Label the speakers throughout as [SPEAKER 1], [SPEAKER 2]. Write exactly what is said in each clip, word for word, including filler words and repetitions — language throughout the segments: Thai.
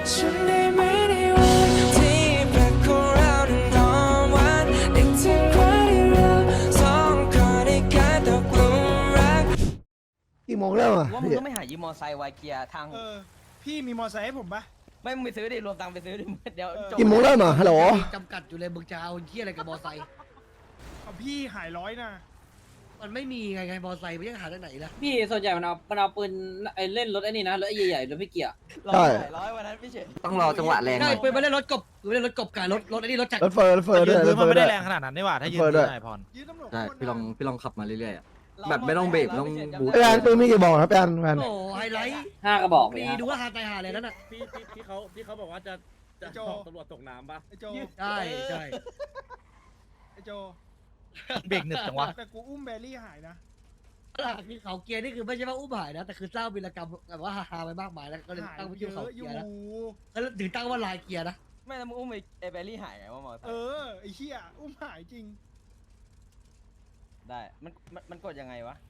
[SPEAKER 1] ฉันได้ไม่ได้วันที่แปลกของเรานั้นหอมหวานนึกถึงวันที่เราสองคนได้กลายตกหลุมรัก
[SPEAKER 2] กี่โมงแล้วอ่ะ
[SPEAKER 3] ว่ามึงต้องไม่หายืมมอไซค์ไวเกียร์ทาง
[SPEAKER 4] เออพี่มีมอไซค์ให้ผมปะ
[SPEAKER 3] ไม่มึงไปซื้อดิรวมตังค์ไปซื้อดิเดี๋ยวจบ
[SPEAKER 2] กี่โมงแล้วมาฮัลโหล
[SPEAKER 5] จำกัดอยู่เลยมึงจะเอาเที่ยอะไรกับมอไซค์
[SPEAKER 4] เอาพี่หายร้อยนะ
[SPEAKER 5] มันไม่มีไงไงมอไซค์มันยังหาได้ไหนล่ะ
[SPEAKER 6] พี่ส่วนใหญ่มันเอามันเอาปืนไอ้เล่นรถไอ้นี่นะรถไอ้ใหญ่ๆรถพี่เกียร์
[SPEAKER 3] ร้อยร้อยวันนั้นพี่เฉย
[SPEAKER 7] ต้องรอจังหวะแรงห
[SPEAKER 5] ใช่
[SPEAKER 7] น่อย
[SPEAKER 5] ปืนมาเล่นรถกบปืนมาเล่นรถกบกับรถรถไอ้นี่รถจักร
[SPEAKER 2] รถเฟอร์รถเฟอร์ด้วยรถเฟอ
[SPEAKER 8] มัน
[SPEAKER 2] ร์
[SPEAKER 8] ไม่
[SPEAKER 2] ด้
[SPEAKER 8] ได้
[SPEAKER 2] วย
[SPEAKER 8] แรงขนาดนั้นนี่หว่าถ้ายืน
[SPEAKER 2] เปิดด้วย
[SPEAKER 8] ได้พร
[SPEAKER 4] ยืนตำรวจ
[SPEAKER 7] ใช่
[SPEAKER 4] โคตร
[SPEAKER 7] พี่ลอง
[SPEAKER 4] นาน
[SPEAKER 7] พี่ลองขับมาเรื่อยๆอะ แบบไม่ต้องเบรกไม่ต้องบูท
[SPEAKER 2] แอนปืนมีกี่บอกครับแอนแอน
[SPEAKER 5] โอ้ไฮไลท์
[SPEAKER 6] ห้ากระบอกเลย
[SPEAKER 5] มี
[SPEAKER 6] ฮะ
[SPEAKER 5] ดูว่าฮาตายหาเลยนั่นน่ะ
[SPEAKER 8] พี่พี่พี่เขาพี่เขาบอกว่าจะจะตำรวจตกน้ำปะ
[SPEAKER 4] ไอโจ
[SPEAKER 5] ใช่ใช่
[SPEAKER 4] ไอโจ
[SPEAKER 8] เบรกหนึบจังวะ
[SPEAKER 4] แต่กูอุ้มแบรี่หายนะ
[SPEAKER 5] คือเขาเกียร์นี่คือไม่ใช่ว่าอุ้มหายนะแต่คือสร้างวีรกรรมแบบว่าฮาๆไปมากมายแล้วก็เลย
[SPEAKER 4] หาย
[SPEAKER 5] ตั้ง
[SPEAKER 4] เย
[SPEAKER 5] ชื่อเขา
[SPEAKER 4] อะอ
[SPEAKER 5] เกี
[SPEAKER 4] ยู่
[SPEAKER 5] ยร์นะก็ถึงตั้งว่าลายเกียร์นะ
[SPEAKER 3] ไม่แล้วมึงอุ้มไอ้แบลลี่หายไงว่ามอไซ
[SPEAKER 4] เอ
[SPEAKER 3] ค์
[SPEAKER 4] อไอเหี้ยอุ้มหายจริง
[SPEAKER 3] ได้มันมันมันกดยังไงวะ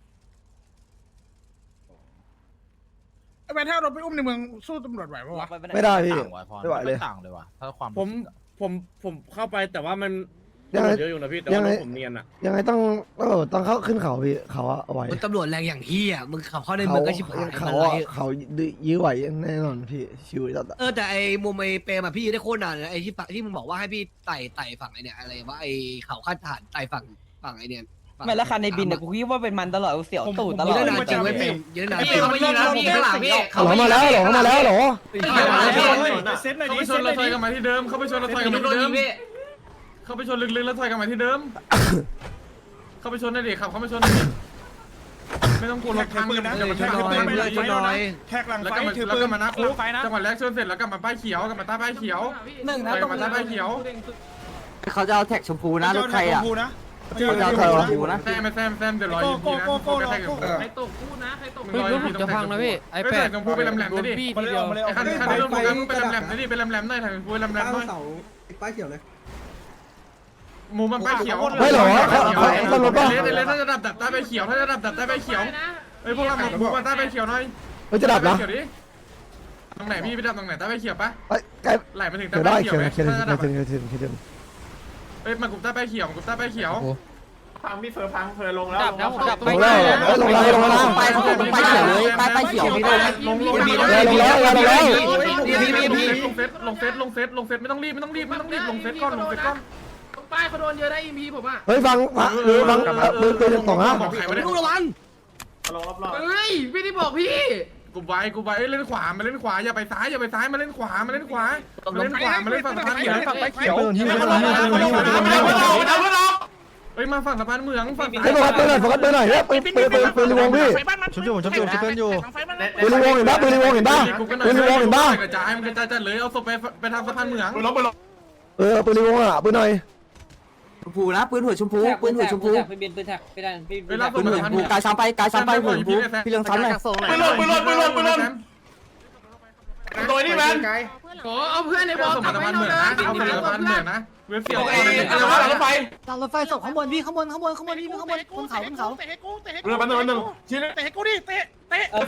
[SPEAKER 4] ไอแมนถ้าเราไปอุ้มในเมืองสู้ตำรวจไหวปะวะ
[SPEAKER 2] ไม่ได้พี่
[SPEAKER 8] ต่างว่ะพร
[SPEAKER 2] ไม่ไหวเลย
[SPEAKER 8] ต่างเลยว่ะถ้าความ
[SPEAKER 9] ผมผมผมเข้าไปแต่ว่ามัน
[SPEAKER 2] ยังไง
[SPEAKER 9] เยอะอยู่นะพี่แต่
[SPEAKER 2] ยั
[SPEAKER 9] ว่าง
[SPEAKER 2] ไง
[SPEAKER 9] ผมเนียนอ่ะ
[SPEAKER 2] ยังไงต้องเออต้องเข้าขึ้นเขาพี่เขาอะเอาไว้
[SPEAKER 5] มึงตำรวจแรงอย่างที่อ่ะมึงขับเข้าในเมื
[SPEAKER 2] เขา
[SPEAKER 5] องก็ชิบหาย
[SPEAKER 2] เขา
[SPEAKER 5] มันไร
[SPEAKER 2] อะเขายื้อไหวแน่นอนพี่ชิวจัดอะ
[SPEAKER 5] เออแต่ไอ้มุมไอ้เปรมอะพี่ยืนได้โคตรนานเลยนะไอ้ที่ฝั่งที่มึงบอกว่าให้พี่ไต่ไต่ฝั่งไอ้เนี่ยอะไรว่าไอ้เขาขั้นฐานไต่ฝั่งฝั่งไอ้เนี่ยฝั่ง
[SPEAKER 3] ไม่แล้วคันในบินเนี่ยกูคิดว่าเป็นมันตลอดกูเสียวตูดตล
[SPEAKER 5] ยื
[SPEAKER 3] อน ด
[SPEAKER 5] ได้นานจริงไว้ยเปรมยืนได้นานจริง
[SPEAKER 4] เขาไม่ยิงนะพี่ข้างหลังพี่
[SPEAKER 2] เขามาแล้วเหรอเขามาแล้วเหรอ
[SPEAKER 4] เซ็ตหน่อย
[SPEAKER 9] เข้า
[SPEAKER 4] ดิ
[SPEAKER 9] ไปช
[SPEAKER 4] เซ็
[SPEAKER 9] น
[SPEAKER 4] ตห
[SPEAKER 9] ร
[SPEAKER 4] น่อย
[SPEAKER 9] ถไฟ
[SPEAKER 4] ดิ
[SPEAKER 9] กันมาที่เดิม เข้าไปชนรถไฟกันมาที่เดิม เข้าไปชนลึกๆแล้วถอยกันมาที่เดิม เข้าไปชนได้ดิขับเข้าไปชนได้ดิไม่ต้องกลัวรถพัง
[SPEAKER 4] ปืนนะ
[SPEAKER 9] อย่ามาช
[SPEAKER 4] แท็
[SPEAKER 9] น
[SPEAKER 4] ก
[SPEAKER 9] รถ
[SPEAKER 4] ปื
[SPEAKER 9] ไฟ
[SPEAKER 4] นไป
[SPEAKER 9] ไม่
[SPEAKER 4] เล
[SPEAKER 9] ได้
[SPEAKER 4] ย
[SPEAKER 9] ชนหน่อย
[SPEAKER 4] แท็กหลัง
[SPEAKER 9] แล้ว
[SPEAKER 4] ไฟ
[SPEAKER 9] ก็มา
[SPEAKER 4] ถือ
[SPEAKER 9] แล้ว
[SPEAKER 4] ปื
[SPEAKER 9] ก็
[SPEAKER 4] น
[SPEAKER 9] มาหน้าคุกจังหวะแรกชนเสร็จแล้วกลับมาป้ายเขียวกลับมาใต้ป้ายเขียว
[SPEAKER 3] หนึ่งนะ
[SPEAKER 9] ถอย
[SPEAKER 3] ตรง
[SPEAKER 9] มาใต้ป้ายเขียว
[SPEAKER 7] เขาจะเอาแท็กชมพูนะรถใครอ่ะ
[SPEAKER 4] นะ
[SPEAKER 7] เขาจะเอาแท็กชมพูนะ
[SPEAKER 9] แซมแซมแซมเดี๋ยวรออีพีนะโกแท็กอยู่ใครตกพูดนะใครตกรออีพีจะพังนะพี่ไอ้แปดชมพูเป็นแหลมๆนะดิ
[SPEAKER 4] มาเลยออกมาเลยอ
[SPEAKER 9] ไอ้
[SPEAKER 4] อก
[SPEAKER 9] คั
[SPEAKER 4] มาน เลย
[SPEAKER 9] คันที่ลงกันเป็นแหลมๆนะดิเป็นแหลมๆหน่อยถ่ายพูดแหลมๆหน่อย
[SPEAKER 7] ป้ายเขียวเลย
[SPEAKER 9] หมูมันป้ายเขียว
[SPEAKER 2] ไม่เหรอเขาเขาตำรวจป่ะ
[SPEAKER 9] เลสเลสถ้าจะดับดับใต้ใบเขียวถ้าจะดับดับใต้ใบเขียวเฮ้ยพวกเราหมูมาใต้ใบเขียวหน่อย
[SPEAKER 2] เฮ้ยจะดับนะ
[SPEAKER 9] เขียวดิตรงไหนพี่ไปดับตรงไหนใต้ใบเขียวปะ
[SPEAKER 2] ไอ้ใกล้
[SPEAKER 9] ไหลมาถึงใต้
[SPEAKER 2] เดี๋ยว
[SPEAKER 9] ใบ
[SPEAKER 2] ได้
[SPEAKER 9] เขีย
[SPEAKER 2] เขี
[SPEAKER 9] วย ไหม
[SPEAKER 2] เขียว
[SPEAKER 9] ถ้าจะดับ
[SPEAKER 2] เขียวเขียวเขียวเขียว
[SPEAKER 9] เฮ้ยมากลุ่มใต้ใบเขียวมากลุ่มใต้ใบเขียว
[SPEAKER 4] พังพี่เฟิร์พังเฟิร์ลงแล้ว
[SPEAKER 8] ดับนะผมดับ
[SPEAKER 2] ลงแล้วเฮ้ยลงแล้วลงแล้ว
[SPEAKER 7] ป้ายเขาต้องป้ายเขียวเลยป้ายป้ายเขียวพี่ด้วย
[SPEAKER 9] ลงลง
[SPEAKER 2] ลงแล้วลงแล้วลงแล้ว
[SPEAKER 9] ลงเฟสลงเฟสลงเฟสลงเฟสไม่ต้องรีบไม่ต้องรีบไม่ต้องรีบลงเฟสก่อนลงเฟสก่อน
[SPEAKER 8] ป้ายเขาโดนเยอะได้อีพีผมอ่ะ
[SPEAKER 2] เฮ้ยฟังฟังหรือฟังปืนปืนยังตกนะ
[SPEAKER 9] บอกใครไม่ได้
[SPEAKER 5] ลูกระวัง
[SPEAKER 8] เฮ้ยพี่ที่บอกพี่
[SPEAKER 9] กูไว้กูไว้เล่นขวามาเล่นขวาอย่าไปซ้ายอย่าไปซ้ายมาเล่นขวามาเล่นขวามาเล่นขวามาเล่นฝั่งสะพานเหมืองฝั่งไปเขียวเฮ้ยมาฝั่งสะพานเหมืองฝั่ง
[SPEAKER 2] ให้โฟกัสปืนหน่อยโฟกัสปืนหน่อยเนี่ยปืนปืนปืนปืนรีวงพี่
[SPEAKER 8] ชุบอยู่ชุบอยู่ชุบเพื่อนอยู่
[SPEAKER 2] ปืนรีวงเห็นปะปืนรีวงเห็นปะปืนรีวงเห็นปะ
[SPEAKER 9] กระจายมันกระจายจัดเลยเอาศพไปไปทางสะพานเหมือง
[SPEAKER 2] เออปืนรีวงอ่ะปืนหน่อย
[SPEAKER 7] ชมพูนะปืนหัวชมพูปืนหัวชมพู
[SPEAKER 6] ปืนปืนปืนแท็กไปได้พี่
[SPEAKER 9] เวลา
[SPEAKER 7] ปืนหัวชมพูกายซ้ำไปกายซ้ำไปหัวชมพูพี่เรื่องซ้ำเลย
[SPEAKER 9] ปืนหล่นปืนหล่นปืนหล่นปืนหล่น
[SPEAKER 4] โดยนี่แมน
[SPEAKER 8] โอ้เอาเพื่อนในบอล
[SPEAKER 9] สะพานเหมืองนะเอาสะพานเหมืองนะเว็บเสียว
[SPEAKER 4] อะไรวะรถไฟ
[SPEAKER 5] ตามรถไฟศพข้างบนพี่ข้างบนข้างบนข้างบนพี่ข้างบนบนเขาบนเขา
[SPEAKER 4] เตะให้กูเตะให้กูเรือมันหนึ่งมันหนึ่งชี้เตะให้กูดิเตะเตะ
[SPEAKER 6] แล้ว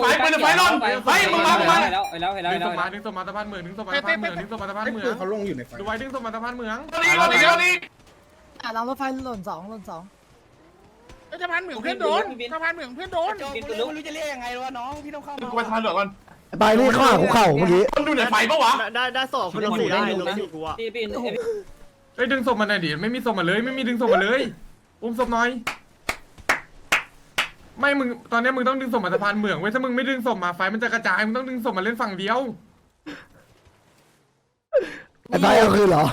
[SPEAKER 6] แล้วแล้ว
[SPEAKER 9] ดึงศ
[SPEAKER 6] แล้ว
[SPEAKER 9] พมาดึงศพมาสะพานเหมืองดึงศพมาสะพานเหมืองดึงศพมาสะพานเหมือง
[SPEAKER 4] เขาลงอยู่ในไฟ
[SPEAKER 9] ดูไว้ดึงศพมาสะพานเหมือง
[SPEAKER 4] นี่รถนี้รถนี้
[SPEAKER 5] อ่ะรางรถไฟหล่นสองหล่นสอง
[SPEAKER 4] สะพานเหมืองเพื่อนโดนสะพานเหมืองเพื่อนโดน
[SPEAKER 3] กูรู้ไม่รู้จะเรียกยังไงวะน้องพี่ต้องเข้ามา
[SPEAKER 4] กูไปทางเหลืองก่อน
[SPEAKER 2] ไปนี่ข้าหัวเข่าเมื่อกี้
[SPEAKER 4] มันดูในไฟปะวะ
[SPEAKER 5] ได้ได้สองคนลงได้ลงอยู่กูอ่ะ
[SPEAKER 6] พี่พี่
[SPEAKER 9] เฮ้ยดึงศพมาหน่อยดิไม่มีศพมาเลยไม่มีดึงศพมาเลยอุ้มศพหน่อยไม่มึงตอนนี้มึงต้องดึงศพมาสะพานเหมืองเว้ยถ้ามึงไม่ดึงศพมาไฟมันจะกระจายมึงต้องดึงศพมาเล่นฝั่งเดียว
[SPEAKER 2] ไอ้ไปเอาคืนเหรอ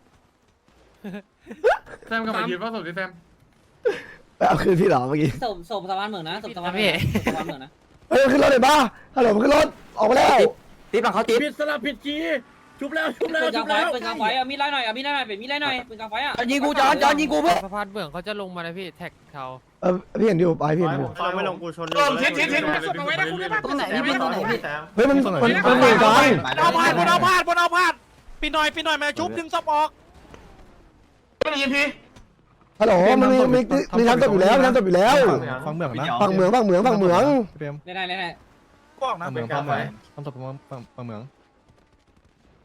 [SPEAKER 9] แซมกลับมายืนว่าศพดิแซม
[SPEAKER 2] ไปเอาคืนพี่เหรอเมื่อกี้
[SPEAKER 6] ศพศพสะพานเหมืองนะศพสะพานเหมืองสะพานเหมืองนะ
[SPEAKER 2] เฮ้ยขึ้นรถเลยป่ะฮัลโหลมันขึ้นรถออกมาแล้ว
[SPEAKER 7] ติ๊บหลังเขาติ๊บ
[SPEAKER 8] ผิดสลับผิดกีชุบแล้วชุบแล้ว
[SPEAKER 6] ปืนก
[SPEAKER 8] ชุ
[SPEAKER 6] ลาง
[SPEAKER 8] บ
[SPEAKER 6] ไฟ
[SPEAKER 8] แล้ว
[SPEAKER 6] ปืนกลางไฟอ่ะมีไล่หน่อยอ่ะมีไล่หน่อยเป็นมีไล่หน่อยปืนกลางไฟอ่ะ
[SPEAKER 7] ยิงกูจอนจอนยิงกูเพื่อ
[SPEAKER 8] สะพานเบื้องเขาจะลงมาเลยพี่แท็กเขา
[SPEAKER 2] เออพี่เห็นอยู่ไปพี่เห็นอยู่
[SPEAKER 4] ตอนไม่ลงกูชนลงทิศทิศทิศเอาไว้นะคุณได้ปะ
[SPEAKER 5] ตรงไหนพี่เป็นตรงไหนพี่
[SPEAKER 2] เฮ้ยมันมันมันเหนื่อยจัง
[SPEAKER 8] เอาพาดบนเอาพาดบนเอาพาดปีหน่อยปีหน่อยมาชุบดึงศพออก
[SPEAKER 4] ไม่ได้ยินพี่
[SPEAKER 2] ฮัลโหลมันมีมีมีทำจบอยู่แล้วมีทำจบอยู่แล้ว
[SPEAKER 8] ฟังเมืองนะ
[SPEAKER 2] ฝั่งเหมืองฝั่งเหมืองฝั่งเหมือง
[SPEAKER 6] ได้ได้ได้
[SPEAKER 4] บอกนะเป็นการไฟ
[SPEAKER 8] ทำศพฝั่งเมือง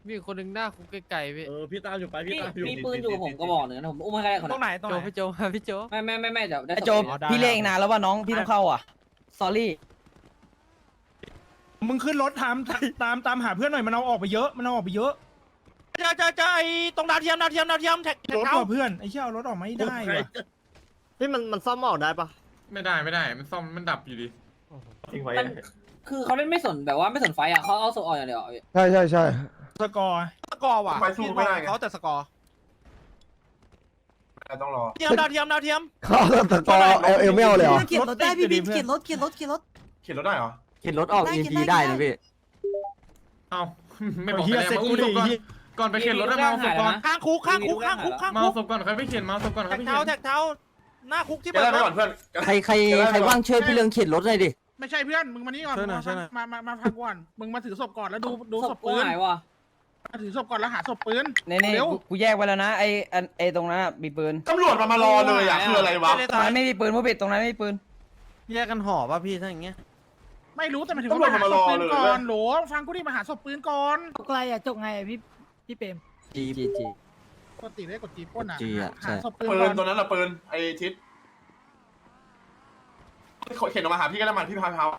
[SPEAKER 10] มีคนหนึ่งหน้าคุกไกลๆพี่
[SPEAKER 8] เออพี่ตามอยู่ไปพี่
[SPEAKER 6] พี่
[SPEAKER 8] ตามอยู่
[SPEAKER 6] มีปืนอยู่กับผมก็บอกหนึ่งนะผมอุ้มให้ใครคน
[SPEAKER 8] ตรงไหนตรง
[SPEAKER 10] โจ
[SPEAKER 8] ไหน
[SPEAKER 10] พี่โจมาพี่โจ
[SPEAKER 6] ไม่ไม่ไม่ไม่เดี๋ยวได้
[SPEAKER 3] ไอโจ
[SPEAKER 8] อ๋อได้
[SPEAKER 3] พี่เรียกอีกนานแล้วว่าน้องพี่ต้องเข้าอ่ะ sorry
[SPEAKER 4] มึงขึ้นรถตามตามตามหาเพื่อนหน่อยมันเอาออกไปเยอะมันเอาออกไปเยอะ
[SPEAKER 8] จะจะจะไอตรงดาวเทียมดาวเทียมดาวเทียมแท็กแท็
[SPEAKER 4] ร
[SPEAKER 8] ก
[SPEAKER 4] ถ
[SPEAKER 8] เท้า
[SPEAKER 4] ต่อเพื่อนไอ้เชี่ยเอารถออกไม่ได้ว่ะ
[SPEAKER 10] พี่มันมันซ่อมออกได้ปะ
[SPEAKER 9] ไม่ได้ไม่ได้ มันซ่อมมันดับอยู่ดี
[SPEAKER 6] มันคือเขาเล่นไม่สนแบบว่าไม่สนไฟอ่ะเขาเอาศพออกอย่างเดียว
[SPEAKER 2] ใช่ใช่ใช่
[SPEAKER 4] สกอร์
[SPEAKER 8] สกอร์ว่ะพี่บอกเขาแต่สกอร์
[SPEAKER 2] ต้องรอ
[SPEAKER 8] เทียมดาวเทียมดาวเทียม
[SPEAKER 2] เขาตะกอเอลเอลไม่เอาเลยเหรอ
[SPEAKER 4] เขียนรถได้พี่บินเขียนรถ
[SPEAKER 7] เข็นรถออกเอ็มพีได้นะพี่
[SPEAKER 9] เอ้าไม่บอก
[SPEAKER 4] เฮีย
[SPEAKER 9] ไป
[SPEAKER 4] เซ็ต
[SPEAKER 9] แล้ว
[SPEAKER 4] กู
[SPEAKER 9] มา
[SPEAKER 4] ดิ
[SPEAKER 9] อุ้มศพก่อนก่อนไปเข็นรถได้มาเอาศพก่อน
[SPEAKER 8] ข้างคุกข้างคุกข้างคุกข้าง
[SPEAKER 9] มา
[SPEAKER 8] คุ
[SPEAKER 9] เอา
[SPEAKER 8] ก
[SPEAKER 9] ศพก่อนใครไม่เข็นมาเอาศพก่อนใคร
[SPEAKER 8] แท็ก
[SPEAKER 9] ไม่
[SPEAKER 8] เท้า
[SPEAKER 9] เข็น
[SPEAKER 8] แท็กเท้าหน้าคุกที่
[SPEAKER 2] เดี๋
[SPEAKER 8] เปิ
[SPEAKER 2] ยว
[SPEAKER 8] ด
[SPEAKER 2] ได้ไปก่อนเพื่อน
[SPEAKER 7] ใครใครใครว่างช่วยพี่เรืองเข็นรถหน่อยดิ
[SPEAKER 4] ไม่ใช่เพื่อนมึงมานี่ก่อนมามามาฟังก่อนมึงมาถือศพก่อนแล้วดูดูศพ
[SPEAKER 6] กู
[SPEAKER 4] ปืน
[SPEAKER 6] หายว่ะ
[SPEAKER 4] มาถือศพก่อนแล้วหาศพปืน
[SPEAKER 3] นี่นี่
[SPEAKER 4] เร็ว
[SPEAKER 3] กูกูแยกไว้แล้วนะไออันไอตรงนั้นอะมีปืน
[SPEAKER 4] ตำรวจมามารอเลยอ่ะคืออะไรวะ
[SPEAKER 3] ตรงนั้นไม่มีปืนผู้ผิดตรงนั้นไม่มีปืน
[SPEAKER 10] แยกกันห่อป่ะพี่ถ้าอย่างเงี้ย
[SPEAKER 4] ไม่รู้แต่มันถึงว่ามาหาศพปืนก่อนโหลฟังกูดิมาหาศพปืนก่อน
[SPEAKER 7] ไกลอ่ะจกไงพี่พี่เปรมจีจีจี
[SPEAKER 4] ปกติได้กดจีป้นอ่ะ
[SPEAKER 7] จีอะใช่
[SPEAKER 4] หาศพปืน
[SPEAKER 11] ปื
[SPEAKER 4] ก่อน น
[SPEAKER 11] ตัวนั้นอะปืนไอทิศเข็นออกมาหาพี่ก็ได้มันพี่พาเท้า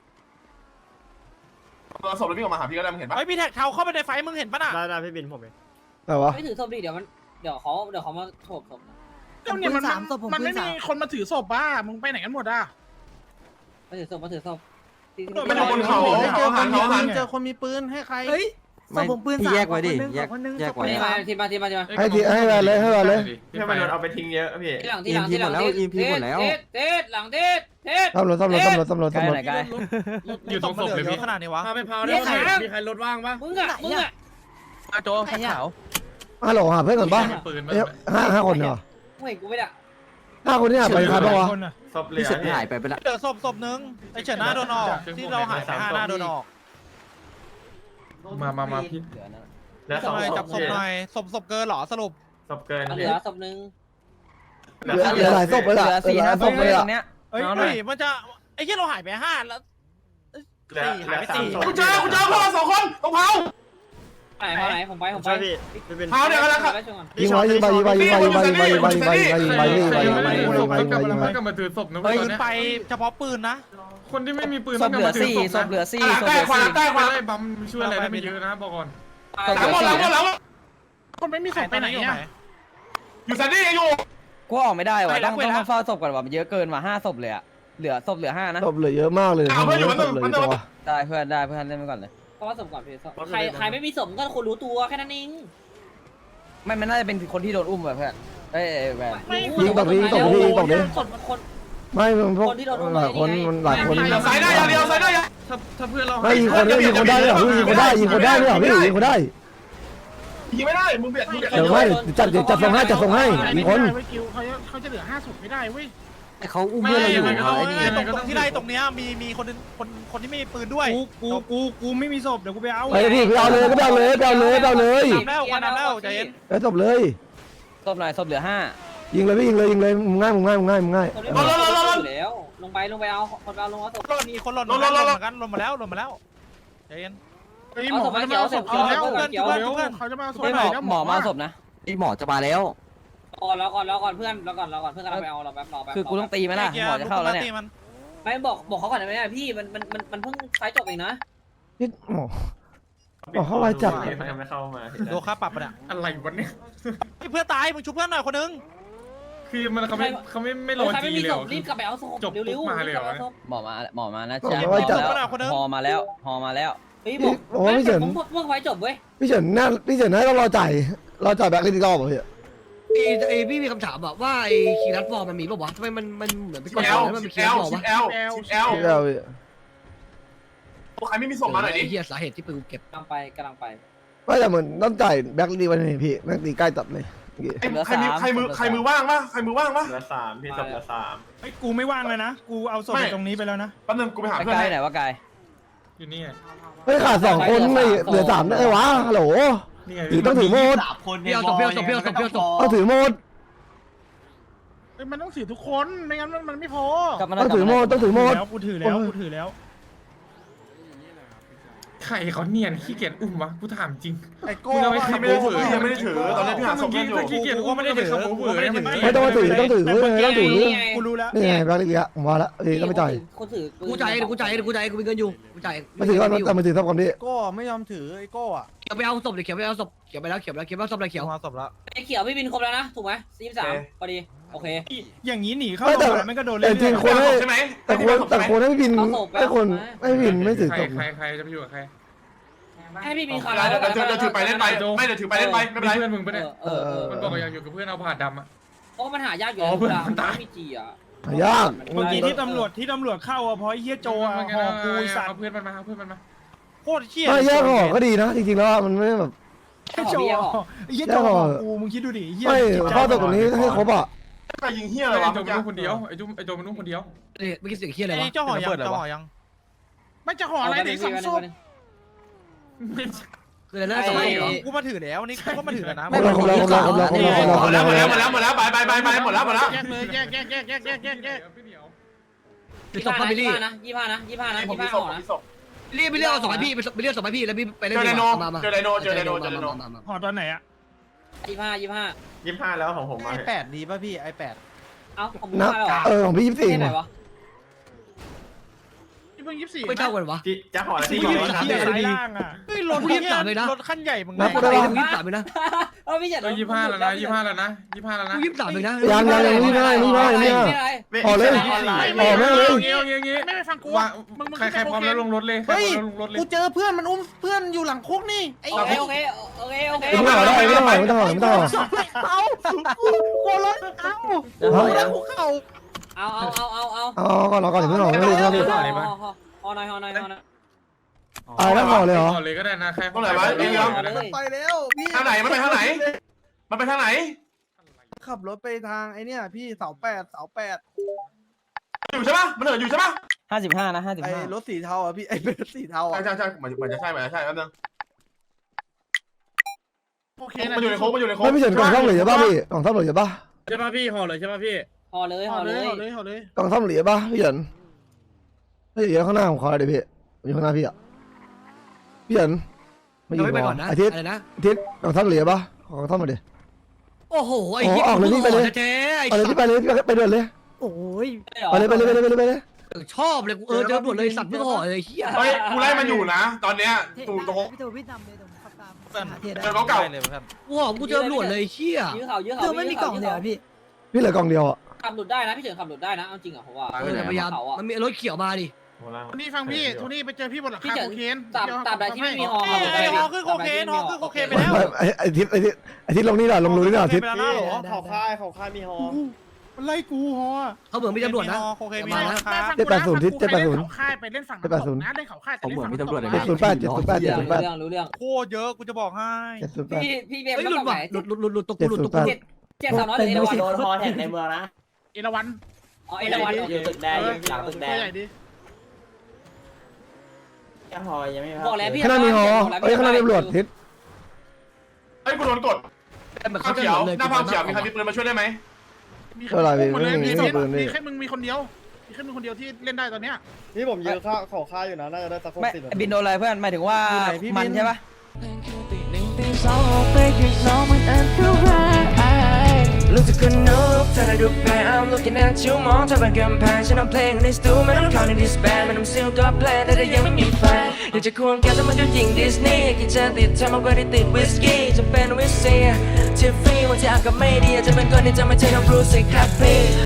[SPEAKER 11] ตัวศพแล้วพี่ออกมาหาพี่ก็ได้มันเห็นปะ
[SPEAKER 8] เฮ้ยพี่แท็กเท้าเข้าไปในไฟมึงเห็นปะน่ะ
[SPEAKER 10] ได้ได้พี่บินผมเอง
[SPEAKER 2] แต่วะ
[SPEAKER 6] ไม่ถือศพดิเดี๋ยวมันเดี๋ยวเขาเดี๋ยวเขามาโฉบศพ
[SPEAKER 4] เจ้าเนี่ยมันมันไม่มีคนมาถือศพบ้ามึงไปไหนกันหมดอ่ะ
[SPEAKER 6] มาถือศพมาถือศพ
[SPEAKER 11] มันอยู่บนเขา
[SPEAKER 10] เจอ
[SPEAKER 11] เขา
[SPEAKER 10] ค
[SPEAKER 11] หั
[SPEAKER 10] น
[SPEAKER 11] น
[SPEAKER 10] มี
[SPEAKER 11] เขา
[SPEAKER 10] ปื
[SPEAKER 11] หัน
[SPEAKER 10] นเจอคนมีปืนให้ใคร
[SPEAKER 7] ไม่พี่แยกไว้ดิแยกแยกไว้
[SPEAKER 6] นี่มาทีมาทีมาทีมา
[SPEAKER 2] ให้ทีให้ไปเลยให้ไปเลย
[SPEAKER 11] ให้มันเอาไปทิ้งเยอะพี่
[SPEAKER 6] ที่หลังที่หลังที่หลังเทศหลังเทศเทศ
[SPEAKER 2] ตำรวจตำรวจตำรวจตำรวจ
[SPEAKER 3] ใกล้
[SPEAKER 2] ตำรวจ
[SPEAKER 3] ไหนใกล้
[SPEAKER 9] อยู่ตรงศพเลยพี่
[SPEAKER 8] ขนาดนี้วะ
[SPEAKER 10] พาไปพาวได้ใครมีใครรถว่างปะ
[SPEAKER 6] มึงอ่ะมึงอ่ะ
[SPEAKER 10] มาโจแท็กขาว
[SPEAKER 2] ฮัลโหลหาเพื่อนก่อนป่ะ
[SPEAKER 9] มีปืน
[SPEAKER 2] เอ้ยห้าห้าคนเหรอ
[SPEAKER 6] มึงเห็นกูไม่ได้
[SPEAKER 2] ห้าคนนี่หาไปใครบ้างวะ
[SPEAKER 4] คนอ่ะ
[SPEAKER 11] ศพเหลื
[SPEAKER 7] พี่
[SPEAKER 11] อ
[SPEAKER 7] เฉินหายไปไปละ
[SPEAKER 8] เหลือศพศพนึงไอเฉินหน้าโดนออกที่เราหายไปห้าหน้าโดนออก
[SPEAKER 9] มามามาพี่
[SPEAKER 3] เหลือนะ
[SPEAKER 11] เหลือ
[SPEAKER 8] ศ
[SPEAKER 11] สอ
[SPEAKER 8] พ
[SPEAKER 11] ง
[SPEAKER 8] หน่อย
[SPEAKER 11] ศ
[SPEAKER 8] จั
[SPEAKER 11] พ
[SPEAKER 8] บศพหน่อยศพศพเกินเหรอสรุป
[SPEAKER 11] ศพเกิน
[SPEAKER 6] เหลือศพนึง
[SPEAKER 2] เหลือเหลือหลายศพเลย
[SPEAKER 3] เห
[SPEAKER 2] ล่ะ
[SPEAKER 3] ลือสี่
[SPEAKER 2] เหลือห
[SPEAKER 3] ห้า
[SPEAKER 2] ลาย
[SPEAKER 3] ศ
[SPEAKER 2] ศ
[SPEAKER 3] พ
[SPEAKER 2] พ
[SPEAKER 3] เล
[SPEAKER 2] เลย ย
[SPEAKER 3] ต
[SPEAKER 2] อ่ะ
[SPEAKER 3] รงเนี้ย
[SPEAKER 4] เอ้ย
[SPEAKER 8] เฮ้ยมันจะไอ้ที่เราหายไปห้าแล้ว
[SPEAKER 11] เหลือ
[SPEAKER 8] สี่
[SPEAKER 11] เหลื
[SPEAKER 8] หาย
[SPEAKER 11] อ
[SPEAKER 8] ไป
[SPEAKER 11] สาม
[SPEAKER 8] สี่
[SPEAKER 11] ศพกูเจอกูเจอพวกเราสองคนตรงเผา
[SPEAKER 6] ไหนไหนผมไปผมไป
[SPEAKER 10] ใช่พี่พี่บิน
[SPEAKER 11] เผาเดี๋ยวกันแล้วครับ
[SPEAKER 2] ยิงไว้ยิงไปยิงไปยิงไปยิงไปยิงไปยิงไปยิงไปยิงไปยิงไปยิงไปยิงไปยิงไปยิงไปยิงไปยิงไปยิงไป
[SPEAKER 9] กลับมาถือศพนะ
[SPEAKER 8] ปื
[SPEAKER 9] เว้ย
[SPEAKER 8] นไปเฉพาะปืนนะ
[SPEAKER 9] คนที่ไม่มีปืน
[SPEAKER 3] ศพเหลือสี่ศพเหลือสี่ศพเหลือสี่
[SPEAKER 11] ใต้ขวา
[SPEAKER 9] ไล่บัมช่วยอะไรได้ไม่เยอะนะบอกก่อน
[SPEAKER 3] ศพ
[SPEAKER 11] ห
[SPEAKER 3] เห
[SPEAKER 11] ลั
[SPEAKER 3] ลื
[SPEAKER 11] ง
[SPEAKER 3] อ สี่
[SPEAKER 11] หมดหลังหมดหลัง
[SPEAKER 4] คนไม่มีศพไปไหนอ่ะ
[SPEAKER 11] อยู่ซันนี่อยู่
[SPEAKER 3] กูออกไม่ได้ว่ะต้องต้องเฝ้าศพก่อนว่ะมันเยอะเกินว่ะห้าศพเลยอะเหลือศพเหลือห้านะ
[SPEAKER 2] ศพเหลือเยอะมากเลยศพเหลือเยอะว่ะ
[SPEAKER 3] ได้เพื่อนได้เพื่อนเล่นไปก่อนเลย
[SPEAKER 6] เพราะว่าศพก่อนพี่ใครใครไม่มีศพก็คนรู้ตัวแค่นั้นเอง
[SPEAKER 3] ไม่มันน่าจะเป็นคนที่โดนอุ้มแบบเพื่อนเอ้ยแหวน
[SPEAKER 2] ยิงตกนี้ยิงตกนี้ยิงตกนี้
[SPEAKER 6] ศพคน
[SPEAKER 2] ไม่มันพวกหลายคนมันหลายคน
[SPEAKER 11] สายได้อย่างเดียวสายได้อย่าง
[SPEAKER 9] ถ้าถ้าเพื่อนเรา
[SPEAKER 2] ไม่ยิงคนได้ยิงคนได้เลยเหรอพี่ยิงคนได้ยิงคนได้เลยเหรอพี่ยิงคนได้
[SPEAKER 11] ยิงไม่ได้มึงเบียดมึงเบียด
[SPEAKER 2] เดี๋ยวไม่จัดเดี๋ยวจัดส่งให้จัดส่งให้ยิงคน
[SPEAKER 4] เว้ยกิวเขาเขาจะเหลือห้าศพไม่ได้เว้ย
[SPEAKER 7] เขาอุ้มเพื่อนเราอยู่
[SPEAKER 8] ไอ้
[SPEAKER 7] ไอ้นี่
[SPEAKER 8] ตรงที่ได้ตรงเนี้ยมีมีคนคนคนที่ไม่มีปืนด้วย
[SPEAKER 4] กูกูกูกูไม่มีศพเดี๋ยวกูไปเอา
[SPEAKER 2] ไปพี่ไปเอาเลยก็ไปเอาเลยไปเอาเลยไปเอาเลย
[SPEAKER 8] ทำแล้ววันนั้นแล้วใจเย็น
[SPEAKER 2] ไปศพเลย
[SPEAKER 3] ศพหน่อยศพเหลือห้า
[SPEAKER 2] ยิงเลยพี่ยิงเลยยิงเลยมึงง่ายมึงง่ายมึงง่ายมึงง่าย
[SPEAKER 6] คนไม่มีศพอยู่แล้วลงไปลงไปเอาคนเอาลงเอาศพ
[SPEAKER 8] หล่นอีกคนหล่นหล่นหล่นเหมือนกันหล่นมาแล้วหล่นมาแล้วใจเย็น
[SPEAKER 4] ไอ้หมอเขาจะมาเอาศพเขาแล้วเขาจะมาเอาศพ
[SPEAKER 3] ไม่หมอหมอมาศพนะ
[SPEAKER 7] ไอ้หมอจะมาแล้ว
[SPEAKER 6] ก่อนแล้วก่อนแล้วก่อนเพื่อนแล้วก่อนแล้วก่อนเพื่อนกำลังไปเอาเราแป๊บรอแป๊บ
[SPEAKER 3] คือกูต้องตีไหมล่ะหมอจะเข้าแล้วเนี่ย
[SPEAKER 6] ไม่บอกบอกเขาก่อนได้ไหมพี่มันมันมันมันเพิ่งไฟจบเองนะ
[SPEAKER 2] นี่หมอหมอเข้าไวจัด
[SPEAKER 11] ยังไม่เข้ามา
[SPEAKER 8] โดนค่าปรับปะเนี่ย
[SPEAKER 9] อะไรวะเนี่ย
[SPEAKER 8] เพื่อนตายมึงชุบเพื่อนหน่อยคนนึง
[SPEAKER 9] คือมันเขาไม่เขาไม่ไม่รอ
[SPEAKER 6] ใคร
[SPEAKER 9] จี
[SPEAKER 6] ไม่มี
[SPEAKER 9] เลย
[SPEAKER 6] ศ
[SPEAKER 9] เหร
[SPEAKER 6] พ
[SPEAKER 9] อ
[SPEAKER 6] รีบกลับไปเอาศพเร็วๆ
[SPEAKER 3] หมอมาหมอมานะจ๊ะหอมาแล้วหอมาแล้ว
[SPEAKER 6] เฮ้ยบอกเพิ่งไฟจบเว้ย
[SPEAKER 2] พี่เฉินน่าพี่เฉินน่าต้องรอจ่ายรอจ่ายแบ็คลิสต์รอบเหรอพี่
[SPEAKER 5] ไอ้ไอ้พี่มีคำถามอะว่าไอ้คีรัตวอลมันมีป่าวะทำไมมันมันเหมือนเป็นก
[SPEAKER 11] ชิ
[SPEAKER 5] ฎ
[SPEAKER 11] ป
[SPEAKER 5] ห
[SPEAKER 11] แอ
[SPEAKER 5] มาย
[SPEAKER 11] ล
[SPEAKER 5] แล้วมัน
[SPEAKER 11] ชิ
[SPEAKER 5] มี
[SPEAKER 11] ป
[SPEAKER 5] คี
[SPEAKER 11] แอ
[SPEAKER 5] รั
[SPEAKER 11] ล
[SPEAKER 5] ตวอล
[SPEAKER 11] ชิป
[SPEAKER 5] วะ
[SPEAKER 11] แอลชิปแอล
[SPEAKER 2] พี่เอาพี่
[SPEAKER 11] ใครไม่มีส่งมาหน่อยดิ
[SPEAKER 5] ไอ้เหี้ยสาเหตุที่ปืนเก็บ
[SPEAKER 6] กำลังไปกำลังไป
[SPEAKER 2] ไม่แต่เหมือนต้องจ่ายแบ็คลิสต์วันนี้พี่แบ็คลิสต์ใกล้ตัดเลย
[SPEAKER 11] ใครมีใครมือใครมือว่างปะใครมือว่างปะ
[SPEAKER 9] เหลือสามพี่ศพเหลือสาม
[SPEAKER 4] ไอ้กูไม่ว่างเลยนะกูเอาศพไปตรงนี้ไปแล้วนะ
[SPEAKER 11] แป๊บนึงกูไปหา
[SPEAKER 3] ไอ้
[SPEAKER 11] เพื่อน
[SPEAKER 3] กาย
[SPEAKER 11] ให้
[SPEAKER 3] ไหนวะกาย
[SPEAKER 9] อยู่นี่ไง
[SPEAKER 2] ไม่ขาดสองคนไม่เหลือสามได้วะฮัลโหล
[SPEAKER 9] นี่ไง
[SPEAKER 2] ถือต้องถือโมด
[SPEAKER 5] เปี้ยวตบเปี้ยวตบเปี้ยวตบเปี้ยวตบ
[SPEAKER 2] ต้องถือโมด
[SPEAKER 4] มันต้องถือทุกคนไม่งั้นมันไม่พอก
[SPEAKER 3] ลับมา
[SPEAKER 2] ต้องถือโมดต้องถือโมด
[SPEAKER 4] แล้วกูถือแล้วกูถือแล้ว
[SPEAKER 9] ใครเขาเนียนขี้เกียจอุ้มวะกูถามจริง
[SPEAKER 10] ไอ้โก้
[SPEAKER 9] มึงเอาไปขับ
[SPEAKER 11] ไม่ได้
[SPEAKER 9] โอ
[SPEAKER 11] ถื
[SPEAKER 9] เว
[SPEAKER 11] อ
[SPEAKER 9] อร์
[SPEAKER 11] ยังไม่ได้ถือตอนนี้พี่หาศพเพื่อนอยู่
[SPEAKER 9] ขี้เกียจอุ้มไม่ได้ไปขับโอเวอร์เนี่ยมัน
[SPEAKER 2] ไม่ต้องมาถือต้องถือเว้ยต้องถือ
[SPEAKER 4] กูรู้แล้ว
[SPEAKER 2] นี่ไงแบงค์เล็กๆผมว่าละเอ้ยต้องไปจ่าย
[SPEAKER 6] คนถือ
[SPEAKER 5] กูจ่ายเดี๋ยวกูจ่ายเดี๋ยวกูจ่ายกูมีเงินอยู่กูจ่าย
[SPEAKER 2] มาถือก่อนแต่มาถือทับก่อนดิ
[SPEAKER 10] โก้ไม่ยอมถือไอ้โก้อะ
[SPEAKER 5] เขียวไปเอาศพเลยเขียวไปเอาศพเขียวไปแล้วเขียวไปแล้วเขียวไปเอาศพเลยเขียว
[SPEAKER 10] มาศพแล้ว
[SPEAKER 6] ไอ้เขียวพี่บินครบแล้วนะถูกไหมสี่สามพอดีโอเค
[SPEAKER 4] อย่างนี้หนีเข้าโรงพยาบาลมันก็โดน
[SPEAKER 2] แต่
[SPEAKER 4] เล่น
[SPEAKER 2] จริงคนให้
[SPEAKER 11] ใช่ไหม
[SPEAKER 2] แต่คนแต่คนให้บินให้คนให้บินไม่ถือ
[SPEAKER 9] ใคร
[SPEAKER 2] ศพ
[SPEAKER 9] ใครใครจะไปอยู่กับใคร
[SPEAKER 6] ให้พี่บินคา
[SPEAKER 11] เดี๋ยวเดี๋ยวเดี๋ยวถือไปเล่นไปไม่เดี๋ยวถือไปเล่นไปไม่เป็นไร
[SPEAKER 9] เพื่อนมึงปะเนี่ย
[SPEAKER 6] เออเออ
[SPEAKER 9] มันบอกว่าอยากอยู่กับเพื่อนเอาผ่าดำอ่ะ
[SPEAKER 6] เพราะมันหายากอยู่
[SPEAKER 9] อ๋อเพื่อน
[SPEAKER 6] ดาว
[SPEAKER 9] มันตาย
[SPEAKER 6] ไม่มีจีอ่ะ
[SPEAKER 2] ยาก
[SPEAKER 4] เมื่อกี้ที่ตำรวจที่ตำรวจเข้าอ่ะเพราะไอ้เฮียโจอ่ะหอกูสัต
[SPEAKER 9] เอา
[SPEAKER 4] ว์
[SPEAKER 9] เพื่อนมันมาเอาเพื่อนมันมา
[SPEAKER 10] โคตรเชี่ย
[SPEAKER 2] ไม่แยกห่อก็ดีนะจริงๆแล้วมันไม่แบบ
[SPEAKER 4] ไอ้โจไอ้เฮียโจหอกูมึงคิดดูดิเฮีย
[SPEAKER 2] ไม่ข้อตกตรงนี้ให้ครบอ่ะ
[SPEAKER 11] ใครยิงเฮียอะไร
[SPEAKER 9] ไอ้
[SPEAKER 11] วะ
[SPEAKER 9] โจมันนุ่งคนเดียวไอ้จุ๊ไอ้โจมันนุ่งคนเดียว
[SPEAKER 5] เมื่อกี้เสียงเคียอะไรวะ
[SPEAKER 10] ไอ้เจ้าหอยังเจ้าหอยัง
[SPEAKER 4] ไม่จะห่ออะไรเด็กสองศพ
[SPEAKER 5] คืออะไรนะสมัยเหรอ
[SPEAKER 10] กูมาถือแล้วนี่กูก็มาถือกันนะ
[SPEAKER 2] ครบแล้วครบแล้วครบแล้วครบแล้วครบแล้วครบแล้วครบ
[SPEAKER 11] หมด
[SPEAKER 2] แล้
[SPEAKER 11] แล้ว
[SPEAKER 2] ว
[SPEAKER 11] หมดแล้วหมดแล้วหมดแล้วไปไปไปไปหมดแล้วหมดแล้ว
[SPEAKER 4] แยกเลยแยกแยกแยกแยกแยกแยกแยก
[SPEAKER 9] พี่เหนียว
[SPEAKER 5] คือศพฟามิลี่
[SPEAKER 6] นะยี่ห้านะยี่ห้านะ
[SPEAKER 11] ผม
[SPEAKER 6] ยี่
[SPEAKER 11] มี
[SPEAKER 6] ห้า
[SPEAKER 11] ศพ
[SPEAKER 6] ห่อ
[SPEAKER 11] ผม
[SPEAKER 6] นะ
[SPEAKER 11] มีศพ
[SPEAKER 5] เรียกไปเรียกเอาศพให้พี่ไปเรียกศพให้พี่แล้วพี่ไปเล่น
[SPEAKER 11] เจอไดโน
[SPEAKER 5] มามา
[SPEAKER 11] เจอไดโนเจอไดโนเจอไดโน
[SPEAKER 4] ห่อตอนไหนอ่ะ
[SPEAKER 6] ยี่ห้ายี่ห้า
[SPEAKER 11] ยี่ห้าแล้วของผมมา
[SPEAKER 10] ไอแปดดีป่ะพี่ไอแปด
[SPEAKER 6] เอ้าผม
[SPEAKER 2] นะ
[SPEAKER 6] มาแล้วเหรอ
[SPEAKER 2] เออของพี่ยี่สิบสี่
[SPEAKER 6] ที่ไหนวะ
[SPEAKER 4] ที่เพิ่งยี่สิบสี่
[SPEAKER 5] ไม่เท่ากันวะ
[SPEAKER 11] จะห่อแล้ว
[SPEAKER 4] ที่
[SPEAKER 11] ที่
[SPEAKER 4] ยี่
[SPEAKER 11] ห่อ
[SPEAKER 4] สิบ
[SPEAKER 11] แล้ว
[SPEAKER 4] สี่สายล่างอ่ะ
[SPEAKER 10] เฮ้ยรถ
[SPEAKER 5] กูยี่สิบสามเลยนะ
[SPEAKER 10] รถขั้นใหญ่มึง
[SPEAKER 2] นับ
[SPEAKER 5] กู
[SPEAKER 2] ได้
[SPEAKER 5] ได้
[SPEAKER 2] ปะ
[SPEAKER 5] กูยี่สิบสามเลยนะ
[SPEAKER 6] เออพี่เจ็ด
[SPEAKER 9] เออยี่ห้าแล้วนะยี่ห้าแล้วนะยี่ห้าแล้วนะ
[SPEAKER 5] กูยี่สิบสามเลยนะ
[SPEAKER 2] ยังยังยังไม่ได้ไม่ได้ไม่ได้ห่อเลยห่อแม่งเลย
[SPEAKER 9] เงี้ยเงี้ยเงี้ย
[SPEAKER 4] ไม่ไปฟังกู
[SPEAKER 9] ว่า
[SPEAKER 4] มึงมึง
[SPEAKER 9] ใครใครพร้อมแล้วลงรถเลยใครพร้อมแล้วลงรถเลย
[SPEAKER 10] กูเจอเพื่อนมันอุ้มเพื่อนอยู่หลังคุกนี่ไอ้
[SPEAKER 6] โอเคโอเคโอเคโอเค
[SPEAKER 2] ไม่ต้องห่อได้ไม่ต้องห่อไม่ต้องห่อไม่ต้องห่อ
[SPEAKER 10] เอากูรถเอา
[SPEAKER 2] เอา
[SPEAKER 10] แล้วกูเข้า
[SPEAKER 6] เอาเอาเอาเอาเอา
[SPEAKER 2] เอาก่อนรอก่อนเดี๋ยวไม่ห่อไม่ได้ไม่ได้
[SPEAKER 6] ห่อห่อหน่อยห่อหน่อยห่อหน่อย
[SPEAKER 2] เอาแล้วห่อเลยเหรอ
[SPEAKER 9] ห่อเลยก็ได้นะใคร
[SPEAKER 11] ตรงไหนวะไอ้เรื่อง
[SPEAKER 10] ไปแล้วพี่
[SPEAKER 11] ทางไหนมันไปทางไหน มันไปทางไหน
[SPEAKER 10] ขับรถไปทางไอ้เนี่ยพี่เสาแปดเสาแปด
[SPEAKER 11] อยู่ใช่ปะมันเหินอยู่ใช่ปะ
[SPEAKER 3] ห้าสิบห้านะห้าสิบ
[SPEAKER 10] ไอ้
[SPEAKER 3] ห้าร
[SPEAKER 10] ถสีเทาอ่ะพี่ไอ้เป็นรถสีเทา
[SPEAKER 11] ใช่
[SPEAKER 10] อ่ะ
[SPEAKER 11] ใช่ใช่เหมือนเหมือนจะใช่เหมือนจะใช่แป๊บนึง
[SPEAKER 4] โอเค
[SPEAKER 11] มันอยู่ในโค้งมันอยู่ในโค้ง
[SPEAKER 2] ไม่พี่เฉินกล่องซ่อมเหลือป่ะพี่กล่องซ่อมเหลือป่ะ
[SPEAKER 10] ใช่ป่ะพี่ห่อเลยใช่ป่ะพี่
[SPEAKER 6] ห่อเลย
[SPEAKER 4] ห่
[SPEAKER 6] ห่
[SPEAKER 4] อ
[SPEAKER 6] อ
[SPEAKER 4] เล
[SPEAKER 6] เลยย
[SPEAKER 4] ห่อเลยห่อเลย
[SPEAKER 2] กล่องซ่อมเหลือป่ะพี่เฉินไม่เหลือข้างหน้าผมขอเลยดิพี่อยู่ข้างหน้าพี่อ่ะพี่เฉินไม่อ
[SPEAKER 5] เรา
[SPEAKER 2] ยู่
[SPEAKER 5] ไม่ไปก่อนนะ
[SPEAKER 2] อาทิตย์
[SPEAKER 5] อะไรนะ
[SPEAKER 2] อาทิตย์กล่องซ่อมเหลือป่ะขอกล่องซ่อมมาดิ
[SPEAKER 5] โอ้โหไอ้เหี้ย
[SPEAKER 2] ออกเลยพี่ไปเลย
[SPEAKER 5] เจ๊ไอ้
[SPEAKER 2] ไปเลยพี่ไปเลยพี่ไปเดินเลย
[SPEAKER 5] โอ้ย
[SPEAKER 2] ไปเลยไปเลยไปเลยไปเลยไปเลย
[SPEAKER 5] ชอบเลยกูเออเจอหมดเลยสัตว์ไม่ห่อเลยเหี้ย
[SPEAKER 11] เฮ้ยกูไล่มันอยู่นะ ตอนเนี้ยตู่ตรง
[SPEAKER 12] พี่ตูพี่นำเลยผมขับตาม
[SPEAKER 11] เจอเขาเก่า
[SPEAKER 10] เลยครับ
[SPEAKER 5] กูห่อกูเจอหมดเลยเหี้ย
[SPEAKER 6] ยื้อเขายื้อเขา
[SPEAKER 12] คือไม่มีกล่องเดียวพี่
[SPEAKER 2] พี่เหลือกล่องเดียวอ่ะ
[SPEAKER 6] ขับหลุดได้นะพี่เฉินขับหลุดได้นะเอาจริงอ่ะผมว่า
[SPEAKER 5] เออพยายามมันมีรถเขียวมาดิ
[SPEAKER 4] ทุนี่ฟังพี่ทุนี่ไปเจอพี่บนหลัง
[SPEAKER 6] พี่
[SPEAKER 4] คา
[SPEAKER 6] เฉิน
[SPEAKER 4] โคเคน
[SPEAKER 6] ตราบตราบใดที่ไม่มีฮอ
[SPEAKER 10] ไอ้ฮอขึ้นโคเคนฮอขึ้นโคเคนไปแล้ว
[SPEAKER 2] ไอ้ไอ้ทิศไอ้ทิศไอ้ทิศลงนี่หน่อยลงรูนี่หน่อยทิศ
[SPEAKER 10] ไปแล้วนะหรอ
[SPEAKER 12] เขาค่ายเขา
[SPEAKER 4] มันไล่กูฮอ
[SPEAKER 5] เขาเหมือนมีตำรวจนะ
[SPEAKER 10] โคเคนมี
[SPEAKER 5] มา
[SPEAKER 10] นะ
[SPEAKER 5] นะ
[SPEAKER 4] แม่ฟังกูนะฟังกูใครเล่นเขาค่ายไปเล่นฝั่งน้ำตกนะเล่นเขาค่ายแต่เล่นฝั่งน้ำตก
[SPEAKER 2] เจ็ดศูนย์แปดเจ็ดศูนย์แปดเจ็ดศูนย์แปด
[SPEAKER 6] เรื่องรู้เรื่อง
[SPEAKER 10] โคตรเยอะกูจะบอกให้
[SPEAKER 2] เจ็ดศูนย์แปด
[SPEAKER 6] พี่พี่เบม
[SPEAKER 5] เฮ้ย
[SPEAKER 6] ไม่
[SPEAKER 5] หลุ
[SPEAKER 6] ต้
[SPEAKER 5] ด
[SPEAKER 6] องไห
[SPEAKER 5] ว่ะ
[SPEAKER 6] น
[SPEAKER 5] หลุดหลุดหลุดหลุดตกกูหลุดตกกู
[SPEAKER 6] เจ็ดเจ็ดสามร้อยเลยเอราวัน
[SPEAKER 12] โดนฮอแท็กในเมืองนะ
[SPEAKER 4] เอราวัน
[SPEAKER 6] อ๋อเอราวัน
[SPEAKER 12] อยู่ตึกแดงอยู่หลังตึกแดง
[SPEAKER 4] ใหญ่ดิ
[SPEAKER 12] แค่ฮอยังไม่
[SPEAKER 6] บอกแล้วพี่
[SPEAKER 2] ข้างหน้ามีฮอเอ้ยข้างหน้ามีตำรวจทิศ
[SPEAKER 11] เฮ้ยกูโดนกด
[SPEAKER 5] มัน
[SPEAKER 11] ข้า
[SPEAKER 5] เข้าว ใจ
[SPEAKER 11] เขียว
[SPEAKER 5] เลย
[SPEAKER 11] หน้าภาพเขียวมีใครมีปืนมาช่วยได้ไหม
[SPEAKER 4] มีแค่มึงมีคนเดียวมีแค่มึงคนเดียวที่เล่นได้ตอนเนี้ย
[SPEAKER 10] นี่ผมยืนข้าขอค่าอยู่นะน่าจะได้สักหก
[SPEAKER 3] ไม่
[SPEAKER 10] สิบ
[SPEAKER 3] บินโดนอะไรเพื่อนหมายถึงว่ามันใช่ปะ
[SPEAKER 1] รู้สึกคนนุกเธอได้ดูแพ้ I'm looking at you มองเธอเป็นกำแพงฉันเอาเพลงในสตูไม่ต้องเข้าในดิสแบนไม่ต้องซิลก็เพลงแต่ถ้ายังไม่มีแฟนอยากจะควงแกแต่มันดูหญิงดิสนีย์กินเจอติดเธอมากกว่าที่ติดวิสกี้จะเป็นวิสเซียทิฟฟี่วันที่อากาศไม่ดีจะเป็นคนที่จะไม่ใช่น้องบรูซสิครับพี่